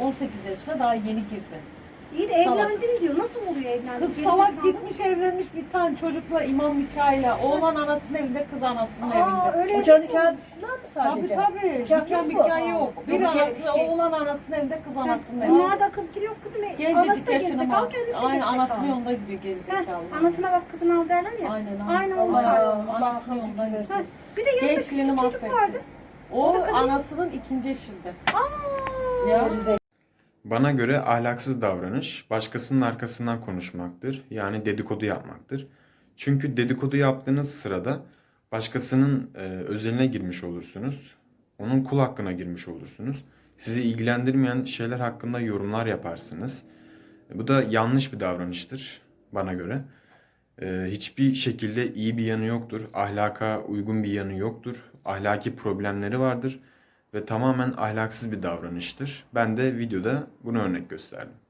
18 yaşına daha yeni girdi. İyi de evlendim diyor. Nasıl oluyor evlendim? Kız salak gitmiş evlenmiş bir tane çocukla imam nikahıyla. Oğlan anasının evinde, kız anasının evinde. Öyle Hoca nikahı mı sadece? Tabii. Nikah Nikah yok mu? nikah yok. Bir Yok, anası, şey. oğlan anasının evinde, kız anasının evinde. Bunlar da akıl giriyor kızım. Anası Gencecik da yaşına gerizekalı, bak. kendisi de Aynen gerizekalı. anasının yolunda gidiyor gerizekalı. Anasına bak kızını al derler ya. Aynen Aynen onun Allah hali. Anasının yolunda Ha, gidiyor. bir de yanında Gençliğini küçük çocuk mahvetti. vardı. O da kadın- anasının ikinci eşinde. Aa. Ya. Bana göre ahlaksız davranış başkasının arkasından konuşmaktır. Yani dedikodu yapmaktır. Çünkü dedikodu yaptığınız sırada başkasının özeline girmiş olursunuz. Onun kul hakkına girmiş olursunuz. Sizi ilgilendirmeyen şeyler hakkında yorumlar yaparsınız. Bu da yanlış bir davranıştır bana göre. Hiçbir şekilde iyi bir yanı yoktur. Ahlaka uygun bir yanı yoktur. Ahlaki problemleri vardır ve tamamen ahlaksız bir davranıştır. Ben de videoda bunu örnek gösterdim.